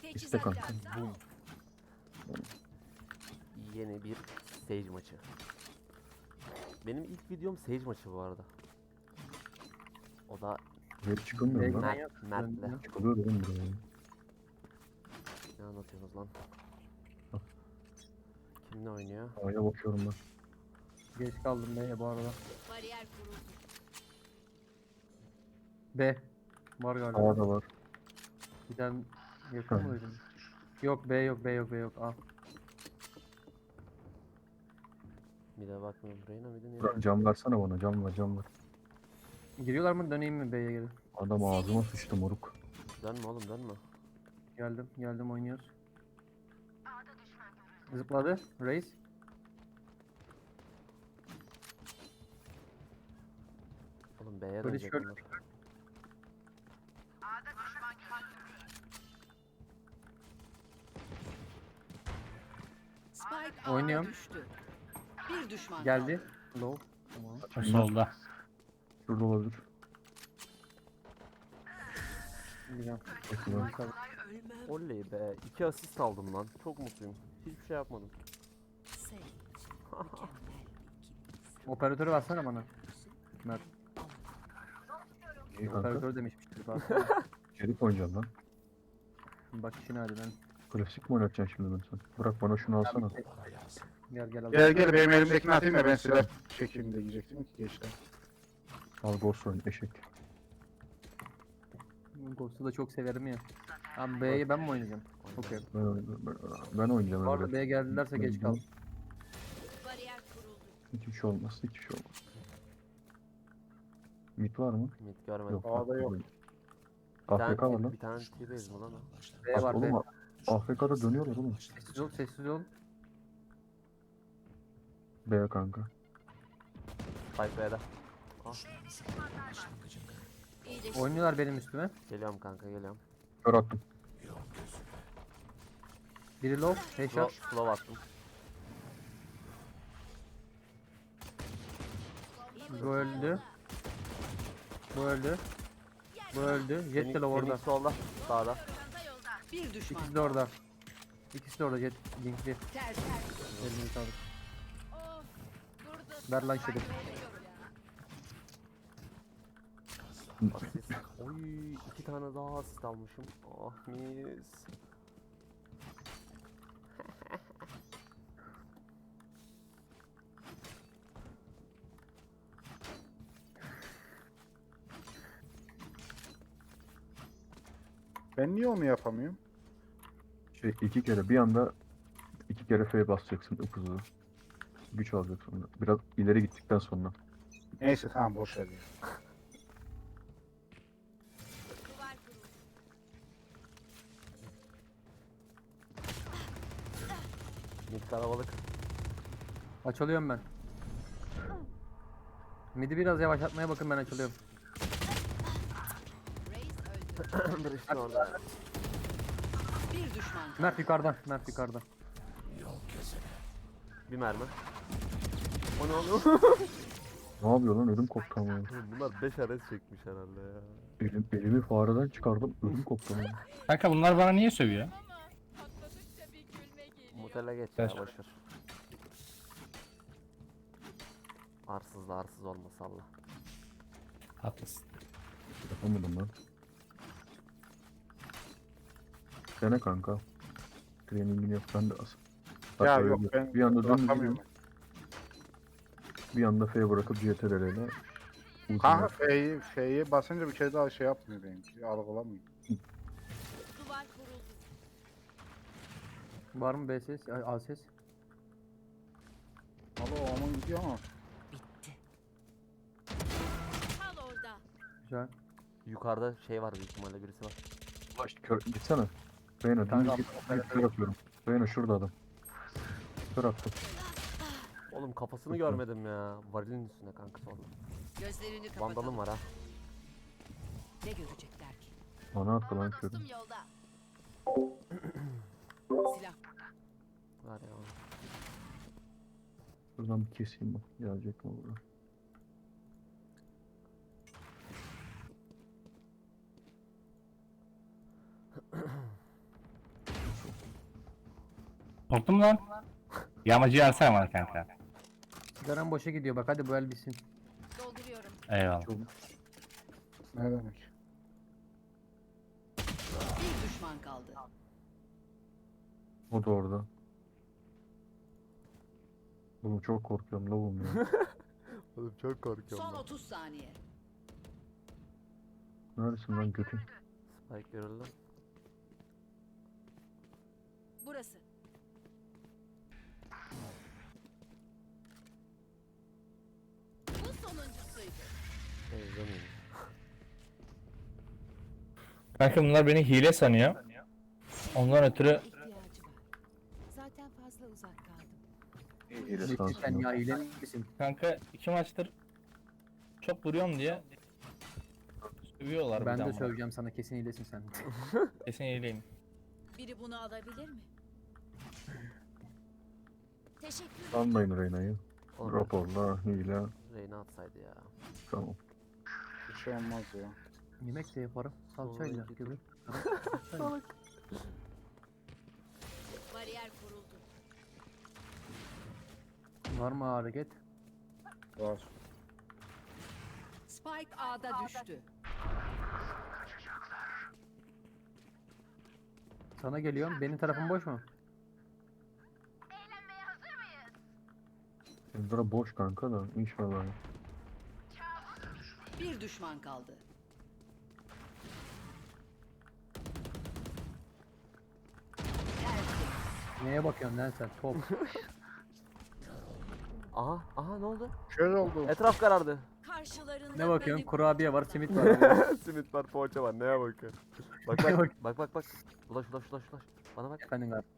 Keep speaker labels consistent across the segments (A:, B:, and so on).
A: İşte kanka.
B: Boom. Yeni bir Sage maçı. Benim ilk videom Sage maçı bu arada. O da
A: Hep çıkamıyorum lan.
B: Mert'le.
A: Çıkılıyor dedim buraya.
B: Ne anlatıyorsunuz lan?
A: Hah.
B: Kimle oynuyor?
A: A'ya bakıyorum ben.
C: Geç kaldım B'ye bu arada.
D: Bariyer kuruldu.
C: B. Var galiba.
A: A'da var.
C: Bir tane yakın
A: Ha.
C: mı duydun? Yok B yok B yok B yok. A.
B: Bir de bakmıyorum. Reyna mıydı neydi?
A: Burak cam versene bana. Cam ver cam ver.
C: Giriyorlar mı döneyim mi B'ye geri?
A: Adam ağzıma sıçtı moruk.
B: Dönme oğlum dönme.
C: Geldim oynuyoruz. Zıpladı. Reis.
B: Oğlum B'ye
C: Böyle
B: dönecek
C: şöyle-
B: bunlar.
D: Spike A'da
C: Oynuyorum.
D: düştü. Bir düşman
C: Geldi.
D: kaldı.
C: Low. Tamam.
E: O solda.
A: Şurada olabilir.
C: Güzel.
A: Bakıyorum.
B: Oley be. 2 asist aldım lan. Çok mutluyum. Hiçbir şey yapmadım.
D: Sage. Mükemmel bir ikili.
C: Operatörü versene bana. Mert.
A: İyi kanka.
C: Operatörü demişmiştir bak.
A: Şerif oynayacağım lan.
C: Bak işine hadi ben.
A: Klasik mi oynatacaksın şimdi ben sen? Bırak bana şunu alsana.
C: Gel al.
F: Gel gel benim elimdekini atayım da ben silah çekeyim de diyecektim ki geçti.
A: Al Ghost oyun eşek.
C: Ghost'u da çok severim ya. Abi B'yi ben mi oynayacağım? Okey.
A: Ben oynayacağım.
C: Bu arada
A: öyle.
C: B'ye geldilerse geç kal.
D: Bariyer kuruldu.
A: Hiçbir şey olmaz. Hiçbir şey olmaz. Mid var mı?
B: Mid görmedim.
A: Yok.
F: A'da yok.
A: AFK var lan.
B: Bir tane T-base mi lan o?
C: B
A: Bak
C: var B.
A: oğlum AFK'da dönüyorlar oğlum.
C: Sessiz ol sessiz ol.
A: B kanka.
B: Spike B'de.
D: İyileşti.
C: Oynuyorlar benim üstüme.
B: Geliyorum kanka geliyorum.
A: Kör attım.
C: Biri low. Headshot.
B: Slow attım.
C: Bu öldü. Bu öldü. Bu öldü. Jet de low orada.
B: Phoenix solda. Sağda.
D: Bir düşman.
C: İkisi de orada. İkisi de orada Jet. Linkli.
D: Ter.
C: Elini sağlık. Ver lan şerif.
B: Asist. Oy 2 tane daha asist almışım. Ah mis.
F: Ben niye onu yapamıyorum?
A: Şey iki kere bir anda iki kere F basacaksın hızlı. Güç alacaksın sonra. Biraz ileri gittikten sonra.
F: Neyse tamam boş ver ya.
D: Duvar kuruldu.
B: Mid kalabalık.
C: Açılıyorum ben. Midi biraz yavaşlatmaya bakın ben açılıyorum.
D: Reis öldü.
B: Bir işte orada.
D: Bir düşman kaldı.
C: Mert yukarıdan. Mert yukarıdan.
B: Bir mermi. O ne oluyor?
A: Ne yapıyor lan ödüm koptu ama.
B: Bunlar 5 ares çekmiş herhalde ya.
A: Elimi fareden çıkardım ödüm koptu ama.
E: Kanka bunlar bana niye sövüyor?
D: Patladıkça bir gülme geliyor.
B: Mutele geç
E: Evet.
B: ya boşver. Arsız da arsız olma salla.
E: Haklısın.
A: Yapamadım lan. Dene kanka. Trainingini yap ben de az.
F: Ya
A: Hatta
F: yok
A: öyle
F: ben
A: bir anda dümdüz
F: bırakamıyorum.
A: yürüyorum, bir anda F bırakıp CTRL'yle
F: Kanka F'yi basınca bir kere daha şey yapmıyor benimki. Algılamıyor.
D: Duvar kuruldu.
C: Var mı B ses? A ses?
F: Alo aman gidiyor ama.
D: Bitti. Kal orada.
C: Güzel.
B: Yukarıda şey var büyük ihtimalle birisi var.
A: kör gitsene. Reyna
C: Kanka,
A: dümdüz git kör atıyorum. Reyna şurada adam. Kör attım.
B: Oğlum kafasını görmedim ya. Varilin üstünde kanka solda.
D: Gözlerini kapatalım.
B: Vandalım var ha.
D: Ne görecekler ki?
A: Bana attı lan körü.
D: Yolda. Silah.
B: Var ya.
A: Buradan bir keseyim bak. Gelecek mi burada?
E: Korktun mu lan? Yağmacıyı alsana bana kanka.
C: Sigaran boşa gidiyor bak hadi bu el bitsin.
D: Dolduruyorum.
E: Eyvallah.
F: Ne demek?
D: Bir düşman kaldı.
A: O da orada. Oğlum çok korkuyorum lavum ya.
B: Oğlum çok korkuyorum
D: Son
B: ben.
D: 30 saniye.
A: Neredesin lan götün?
B: Spike görüldü.
D: Burası. Bu sonuncusuydu.
B: Ezlemeyeyim.
E: Kanka bunlar beni hile sanıyor. Ondan ötürü
D: İhtiyacı var. Zaten fazla uzak kaldım.
A: İyi de
C: Metin sen
A: sansın.
C: ya hile misin?
E: kanka 2 maçtır çok vuruyorum diye sövüyorlar
C: Ben
E: bir
C: de
E: daha.
C: söyleyeceğim sana kesin hilesin sen.
E: Kesin hileyim.
D: Biri bunu alabilir mi? Teşekkür ederim.
A: Sanmayın Reyna'yı.
B: Oğlum
A: Raporla, hile.
B: Reyna atsaydı ya.
A: Tamam.
F: Bir şey olmaz ya.
C: Yemek de yaparım. Salçayla
B: Oy,
C: gibi.
D: Bariyer kuruldu.
C: Var mı hareket?
F: Var.
D: Spike A'da düştü.
C: Sana geliyorum. Benim tarafım boş mu?
A: Ezra boş kanka da inşallah.
D: Bir düşman kaldı. Tertemiz.
C: Neye bakıyorsun lan sen? Top.
B: Aha ne oldu?
F: Kör oldu.
B: Etraf karardı.
D: Karşılarında
C: Ne bakıyorsun?
D: beni-
C: Kurabiye var, simit var. abi.
B: Simit var, poğaça var. Neye bakıyorsun? Bak
C: Neye
B: bak. Ulaş. Bana bak.
C: Efendim abi.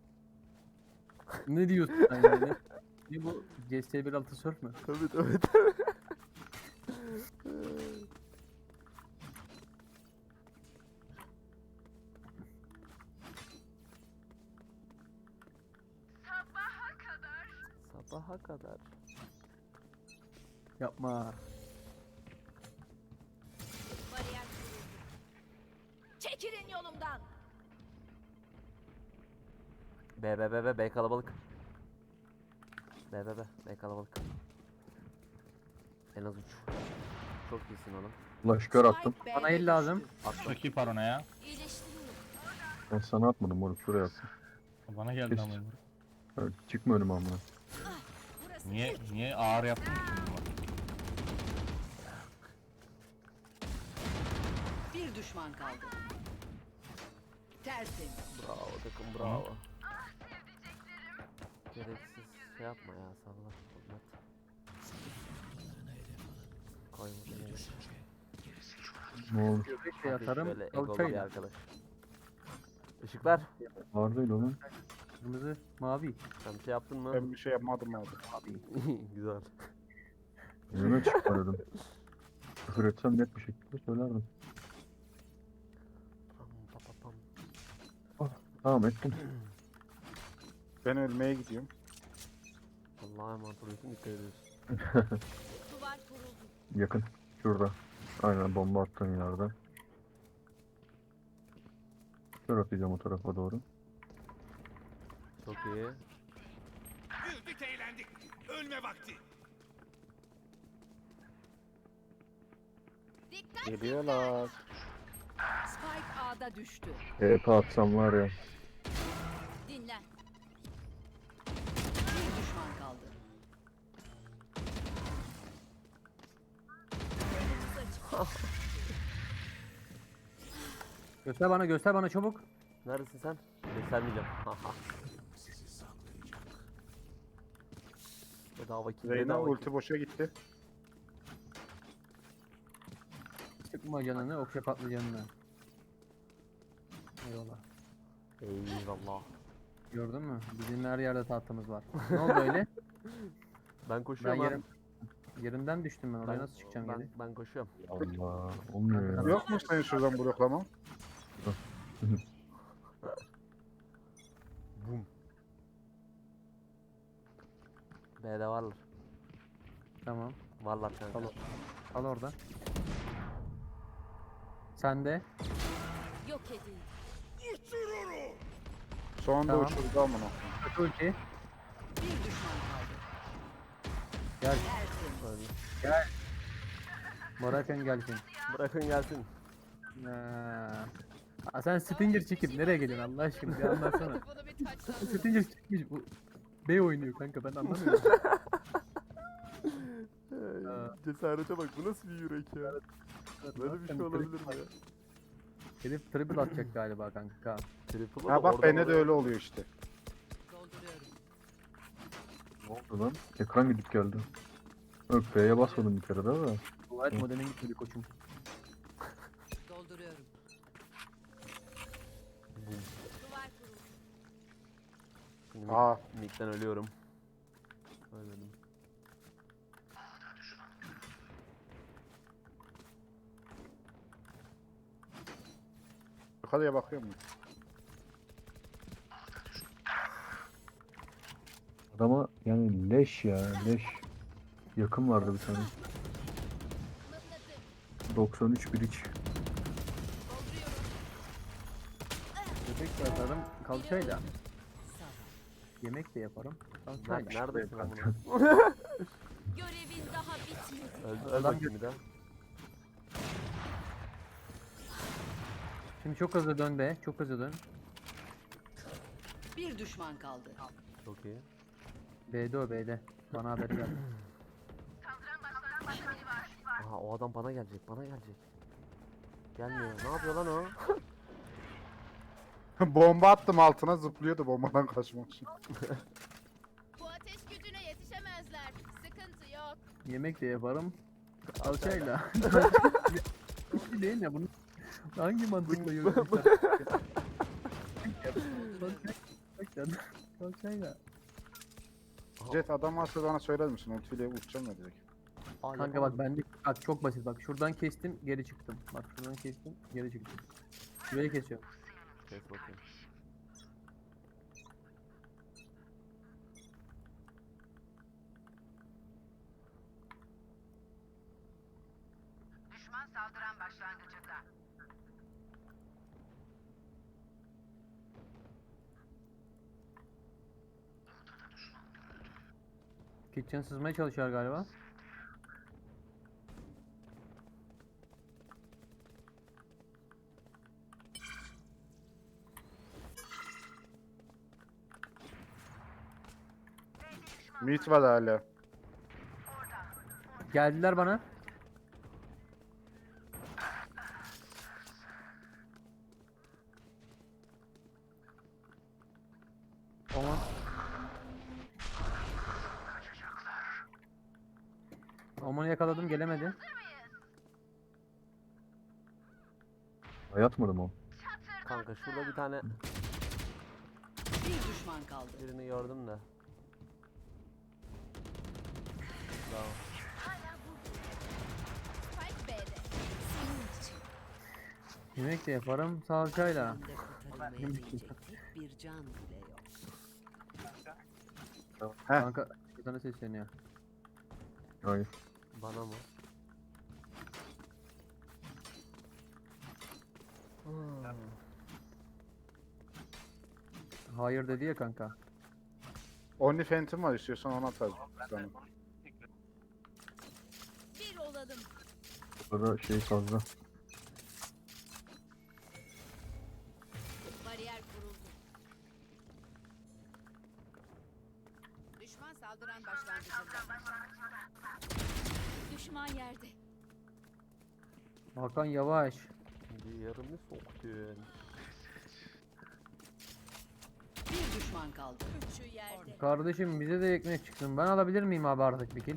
C: Ne diyorsun sen yani? Ne bu? CS1.6 surf mü?
B: Tabii. Sabaha kadar.
C: Yapma.
D: Bariyer kuruldu. Çekilin yolumdan.
B: B kalabalık. B kalabalık. En az 3. Çok iyisin oğlum.
A: Flash kör attım.
D: Spike
C: Bana
D: B'de
C: el lazım.
D: düştü.
E: Çok iyi parona ya.
D: İyileştiriyorum.
A: Ben sana atmadım oğlum şuraya attım.
E: Bana geldi
A: Kes.
E: ama.
A: Evet, çıkma önüme amına.
D: Burası.
E: Niye ağır yaptın ki bunu?
D: Bir düşman kaldı. Tertemiz.
B: Bravo takım bravo. Gereksiz şey yapma ya salla. Hizmet. Koyma beni.
A: Ne olur.
C: Göbek de yatarım.
B: Böyle egolu bir
C: Salçayla.
B: arkadaş. Işıklar.
A: Var değil oğlum.
C: Kırmızı, mavi.
B: Sen bir şey yaptın mı?
F: Ben bir şey yapmadım abi.
C: Mavi.
B: Güzel.
A: Önüme çıkma dedim. Küfür etsem net bir şekilde söylerdim.
B: Pam, pam, pam.
A: Tamam ettim.
F: Ben ölmeye gidiyorum.
B: Allah'a emanet oluyorsun dikkat ediyorsun.
D: Duvar kuruldu.
A: Yakın. Şurada. Aynen bomba attığın yerde. Kör atacağım o tarafa doğru.
B: Çok iyi.
G: Güldük eğlendik. Ölme vakti.
D: Dikkat.
F: Geliyorlar.
D: Spike A'da düştü.
A: EP atsam var ya.
D: Dinlen. Bir düşman kaldı.
C: Göster bana çabuk.
B: Neredesin sen? Göstermeyeceğim. Haha. Bedava kill,
F: Reyna
B: bedava kill.
F: ulti boşa gitti.
C: Sıkma canını, okşa patlıcanını. Eyvallah.
B: Eyvallah.
C: Gördün mü? Bizim her yerde tahtımız var. Ne oldu öyle?
B: Ben
C: Ben
B: koşuyorum abi.
C: yerimden düştüm ben oraya nasıl çıkacağım geri?
B: Ben koşuyorum.
A: Allah. Olmuyor ya.
F: Yok mu senin şuradan bloklama?
B: Bum. B'de varlar.
C: Tamam.
B: Varlar kanka.
C: Tamam. Al orada. Sen de.
D: Yok edildi.
F: Sonunda
C: Tamam.
F: uçurdu amına.
C: Kötü ulti.
H: Bir düşman kaldı.
C: Gel.
B: Öyle.
C: Bırakın gelsin.
B: Bırakın gelsin.
C: Sen Stinger çekip nereye geliyorsun Allah aşkına bir anlatsana.
D: Bunu bir taçlan.
C: Stinger çekmiş bu. B oynuyor kanka ben anlamıyorum.
B: Cesarete bak, bu nasıl bir yürek ya? Böyle bir şey olabilir mi ya?
C: Herif triple atacak galiba kanka.
B: Triple'ı
F: Ha
B: da
F: bak
B: oradan
F: bende de
B: oraya-
F: öyle oluyor işte.
H: Dolduruyorum.
A: Ne oldu lan? Ekran gidip geldi. Yok F'ye basmadım bir kere daha da.
C: Light modemin gitmedi koçum.
H: Dolduruyorum.
D: Duvar kurulu.
B: Şimdi
F: Aa.
B: Mid'den ölüyorum. Ölmedim.
F: Yukarıya bakıyor mu?
A: Adama yani leş ya leş. Yakın vardı bir tane. 93 bir iç.
C: Köpek de yaparım kalçayla.
H: Sağ.
C: Yemek de yaparım
B: Nerede,
C: kalçayla.
B: neredesin amına?
D: Görevin daha bitmedi.
B: Öl
C: Adam
B: bakayım bir daha.
C: Şimdi çok hızlı dön be çok hızlı dön.
H: Bir düşman kaldı.
B: Çok iyi.
C: B'de o B'de. Bana haber ver.
B: Aha, o adam bana gelecek, bana gelecek. Gelmiyor. Ne yapıyor lan o?
F: Bomba attım altına zıplıyordu bombadan kaçmak için.
D: Bu ateş gücüne yetişemezler. Sıkıntı yok.
C: Yemek de yaparım kalçayla. Bu değil ya bunu hangi mantıkla yürüyorsun? Kalçayla.
F: Jet adam varsa bana söyler misin? Ultiyle uçacağım ya direkt.
B: Aa,
C: Kanka bak
B: yapamadım.
C: bende bak çok basit bak şuradan kestim geri çıktım. Bak şuradan kestim geri çıktım. Şurayı kesiyorum.
B: Kes bakayım.
H: Düşman saldıran başlangıcında.
C: Kitchen sızmaya çalışıyor galiba.
F: Meat var hala.
C: Geldiler bana. Aman. Aman'ı yakaladım gelemedi.
A: Yatmadım o.
B: Kanka şurada bir tane
H: Bir düşman kaldı.
B: birini gördüm de. Bravo.
D: Spike B'de. Senin için.
C: Yemek de yaparım salçayla.
H: Şimdi kurtarılmaya değecek tek bir can bile yok.
C: Kanka sana sesleniyor.
A: Hayır.
B: Bana mı?
C: Hayır dedi ya kanka.
F: Only Phantom var istiyorsan ona atarım. Sana.
D: Bir olalım.
A: Burada şey fazla.
D: Bariyer kuruldu. Düşman saldıran başlangıcında. Düşman yerde.
C: Hakan yavaş.
B: Şimdi yarımı soktun.
H: Bir düşman kaldı.
D: Üçü yerde.
C: Kardeşim bize de ekmek çıksın. Ben alabilir miyim abi artık bir kill?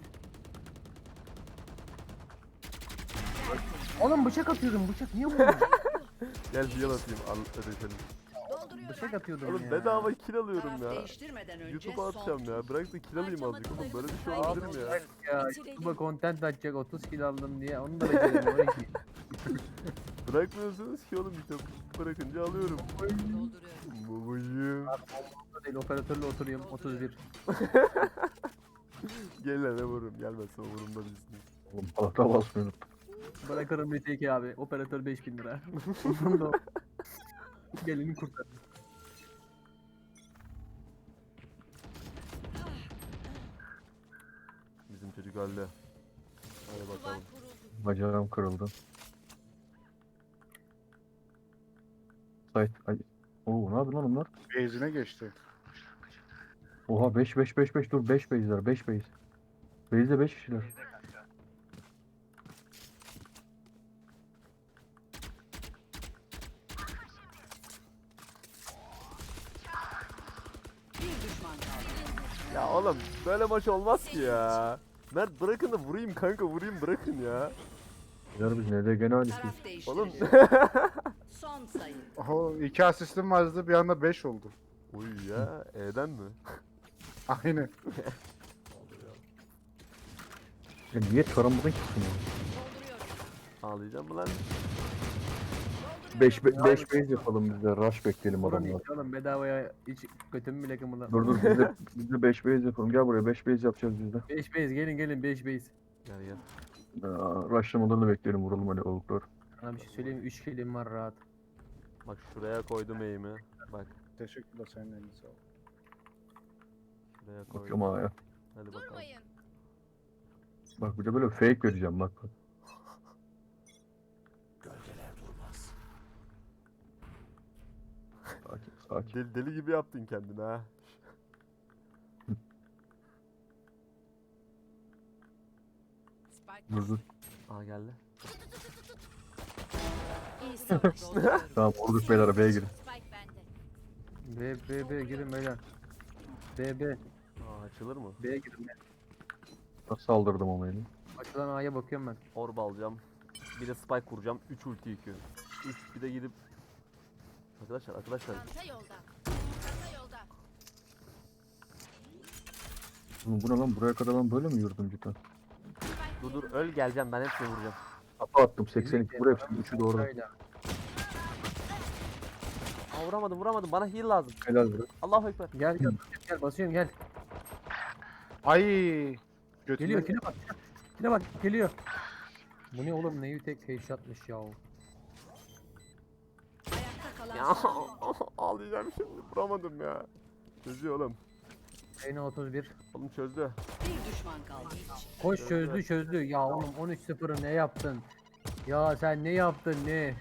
C: Oğlum bıçak atıyordum bıçak niye vuruyorsun?
B: Gel heal atayım, al ödeşelim.
D: Dolduruyorum.
C: Bıçak atıyordum
B: Oğlum
C: ya.
B: bedava kill alıyorum
H: Taraf
B: ya.
H: değiştirmeden önce
B: YouTube'a
H: son
B: atacağım
H: tur.
B: ya. Bırak da kill alayım azıcık oğlum. Böyle bir şey olabilir mi ya?
C: Ya YouTube'a content atacak 30 kill aldım diye onu da beceremiyorum 12.
B: Bırakmıyorsunuz ki oğlum işte. Bırakınca alıyorum.
H: Dolduruyorum.
B: Babacığım.
C: Değil operatörle oturayım 31.
B: Gel lan vururum. Gelmezse umurumda değilsin.
A: Oğlum palata basmıyorum.
C: Bırakırım BTK abi operatör 5000 lira. Bunu da gelini kurtar.
B: geldi. Hadi
D: Duvar
B: bakalım.
D: kuruldu.
A: Bacağım kırıldı. Sait. Ay. Oo, ne yapıyor lan onlar?
F: Base'ine geçti.
A: Oha 5 dur 5 base'ler 5 base. Base'de 5 kişiler.
H: Bir düşman kaldı.
B: Ya oğlum böyle maç olmaz ki ya. Mert bırakın da vurayım kanka, vurayım bırakın ya.
A: Bizler biz ne de gene ailesiyiz.
H: Taraf değiştiriliyor.
B: Oğlum.
H: Son sayı.
F: Oho 2 asistim vardı bir anda 5 oldu.
B: Uy ya, E'den mi?
F: Aynen.
A: Ya niye çorabımdan kesin ya?
D: Dolduruyorum.
B: Ağlayacağım mı lan?
A: 5 base yapalım biz de. Rush bekleyelim
C: Buranın
A: adamlar.
C: hiç oğlum bedavaya hiç götümü bile kımıldam.
A: Dur biz de 5 base yapalım. Gel buraya 5 base yapacağız biz de.
C: 5 base gelin 5 base.
B: Gel gel.
A: Rushlamalarını bekleyelim vuralım hani oluklar.
C: Sana bir şey söyleyeyim 3 kilim var rahat.
B: Bak şuraya koydum eğimi. Bak
F: Teşekkürler senin eline sağlık.
B: şuraya koydum.
A: Bakıyorum ha ya.
B: Hadi bakalım.
D: Durmayın.
A: Bak bir de böyle fake vereceğim bak. Sakin.
B: Deli gibi yaptın kendini ha.
D: Spike
A: Dur dur.
B: Aa geldi.
D: iyi savaş.
A: Tamam vurduk beyler B'ye girin.
D: Spike bende.
C: B girin beyler. B.
B: Aa açılır mı?
C: B'ye girin.
A: Nasıl saldırdım ama yine.
C: Açılan A'ya bakıyorum ben.
B: Orb alacağım. Bir de spike kuracağım. 3 ulti yıkıyor. 3 bir de gidip Arkadaşlar
D: Çanta yolda. Çanta yolda.
A: Oğlum bu ne lan buraya kadar ben böyle mi yürüdüm cidden?
B: dur dur öl geleceğim, ben hepsini vuracağım.
A: Kafa attım 82 buraya hepsinin 3'ü doğru.
C: Şöyle.
B: Aa vuramadım, bana heal lazım.
A: Helal buraya.
B: Allahu ekber.
C: Gel basıyorum gel.
F: Ay. Götüne
C: Geliyor kile bak geliyor. Bu ne oğlum neyi tek headshot'mış ya.
H: Ayakta kalan
B: Ya
H: son oyuncu.
B: ağlayacağım şimdi, vuramadım ya. Çözüyor oğlum.
C: Reyna 31.
B: Oğlum çözdü.
H: Bir düşman kaldı.
C: Koş çözdü. Ya oğlum 13-0'ı ne yaptın? Ya sen ne yaptın ne?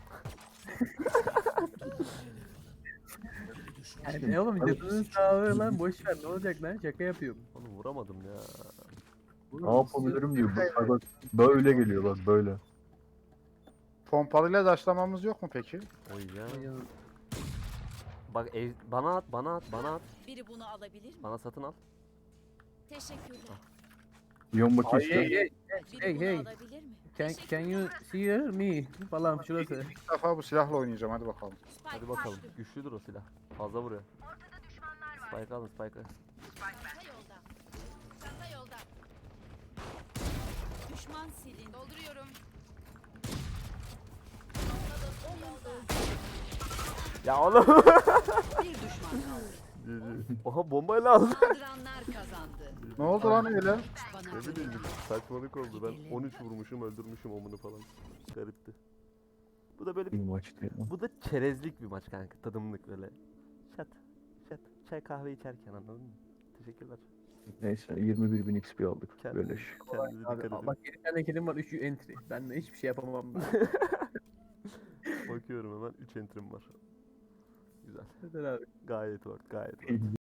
C: Yani ne oğlum canının sağlığı lan boş ver ne olacak lan şaka yapıyorum.
B: Oğlum vuramadım ya.
A: Ne yapabilirim diyor. Bak böyle geliyor bak böyle.
F: pompalıyla daşlamamız yok mu peki?
B: Oy ya.
C: Ya,
B: Bak bana at.
D: Biri bunu alabilir mi?
B: Bana satın al.
D: Teşekkürler.
A: Yon bakayım
C: Hey
A: işte.
D: Biri bunu
C: hey.
D: alabilir mi?
C: Can you see me falan şurası.
F: İlk defa bu silahla oynayacağım hadi bakalım.
D: Spike
B: Hadi bakalım.
D: düştü.
B: Güçlüdür o silah. Fazla vuruyor. Spike alın, Spike'ı.
D: Çanta yolda. Çanta yolda. Düşman silin. Dolduruyorum.
B: Ya oğlum.
H: Bir düşman kaldı.
B: Oha bombayla aldı.
H: Saldıranlar kazandı.
F: Ne oldu lan öyle?
H: Bana
B: Ne bileyim saçmalık oldu. Ben 13 vurmuşum, öldürmüşüm omunu falan. Garipti. Bu da böyle
A: Bir
B: bir,
A: maçtı ya.
B: bu da çerezlik bir maç kanka. Tadımlık böyle. Şat. Çay kahve içerken, anladın mı? Teşekkürler.
A: Neyse 21.000 XP aldık.
B: Kendinize,
A: Böyle.
B: kendinize dikkat
C: Abi,
B: edin.
C: bak 7 tane kilim var 3'ü entry. Ben de hiçbir şey yapamam.
B: Bakıyorum hemen 3 entrim var. Güzel.
C: Hadi abi.
B: Gayet work, gayet work.